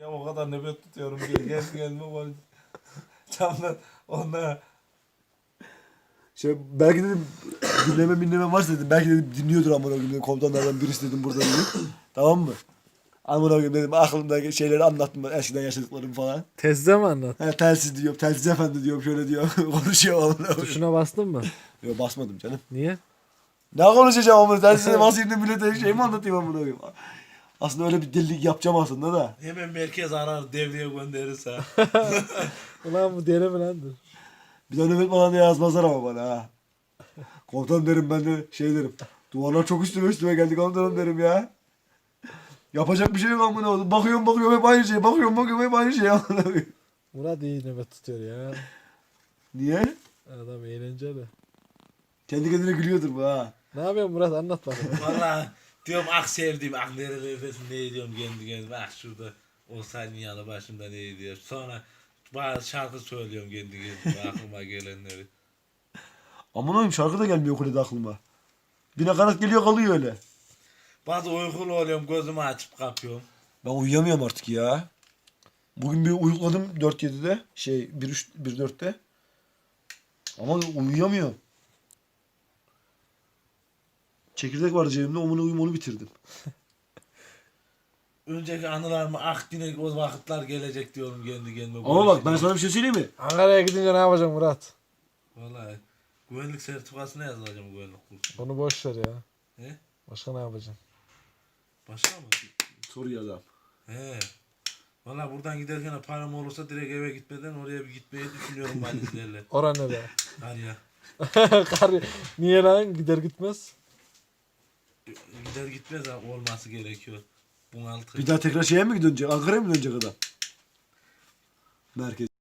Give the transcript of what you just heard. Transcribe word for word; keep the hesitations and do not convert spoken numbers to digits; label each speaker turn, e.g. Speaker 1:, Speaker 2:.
Speaker 1: Ya o kadar nöbet tutuyorum diye geldi gelme var. Camdan onlara
Speaker 2: Şey, belki dedim dinleme dinleme varsa dedim. Belki dedim dinliyordur amına koyayım dedim. Komutanlardan birisi dedim burada dedim. Tamam mı? Amına koyayım dedim aklımdaki şeyleri anlattım ben eskiden yaşadıklarımı falan.
Speaker 3: Tezde mi anlat?
Speaker 2: He telsiz diyorum, telsiz efendi diyorum şöyle diyor. Konuşuyor amına koyayım.
Speaker 3: Tuşuna bastın mı?
Speaker 2: Yok basmadım canım.
Speaker 3: Niye?
Speaker 2: Ne konuşacağım amına telsize basayım da millete şey mi anlatayım amına koyayım. Aslında öyle bir delilik yapacağım aslında da.
Speaker 1: hemen merkez arar devreye gönderirse.
Speaker 3: Ulan bu deli mi lan dur?
Speaker 2: Bir de nöbet falan da yazmazlar ama bana ha. Komutanım derim ben de şey derim. Duvarlar çok üstüme üstüme geldi komutanım derim ya. Yapacak bir şey yok amına koyayım. Bakıyorum bakıyorum hep aynı şey. Bakıyorum bakıyorum hep aynı şey amına koyayım.
Speaker 3: Murat iyi nöbet tutuyor ya.
Speaker 2: Niye?
Speaker 3: Adam eğlenceli.
Speaker 2: Kendi kendine gülüyordur bu ha.
Speaker 3: Ne yapıyorsun Murat anlat bakalım.
Speaker 1: Valla diyorum ah sevdiğim ah nerelerdesin ne diyorum kendi kendime ah şurada olsaydın yanı başımda ne diyor. Sonra bazı şarkı söylüyorum kendi kendime aklıma gelenleri.
Speaker 2: Amına koyayım şarkı da gelmiyor kulede aklıma. Bir nakarat geliyor kalıyor öyle.
Speaker 1: Bazı uykulu oluyorum gözümü açıp kapıyorum.
Speaker 2: Ben uyuyamıyorum artık ya. Bugün bir uyukladım dört yedide. Şey bir üç bir dörtte. Ama uyuyamıyorum. Çekirdek vardı cebimde onu uyum onu bitirdim.
Speaker 1: Önceki anılarımı ah yine o vakitler gelecek diyorum kendi kendime.
Speaker 2: Ama bak ben sana bir şey söyleyeyim mi?
Speaker 3: Ankara'ya gidince ne yapacaksın Murat?
Speaker 1: Vallahi güvenlik sertifikasına yazılacağım güvenlik kursuna.
Speaker 3: Onu boş ver ya.
Speaker 1: He?
Speaker 3: Başka ne yapacaksın?
Speaker 1: Başka mı?
Speaker 2: Soruyor adam.
Speaker 1: He. Valla buradan giderken param olursa direkt eve gitmeden oraya bir gitmeyi düşünüyorum valizlerle.
Speaker 3: Oran ne be?
Speaker 1: Var ya.
Speaker 3: Kar, niye lan gider gitmez?
Speaker 1: Gider gitmez ha, olması gerekiyor. Bunaltı.
Speaker 2: Bir daha tekrar şeye mi dönecek? Ankara'ya mı dönecek adam? Merkez.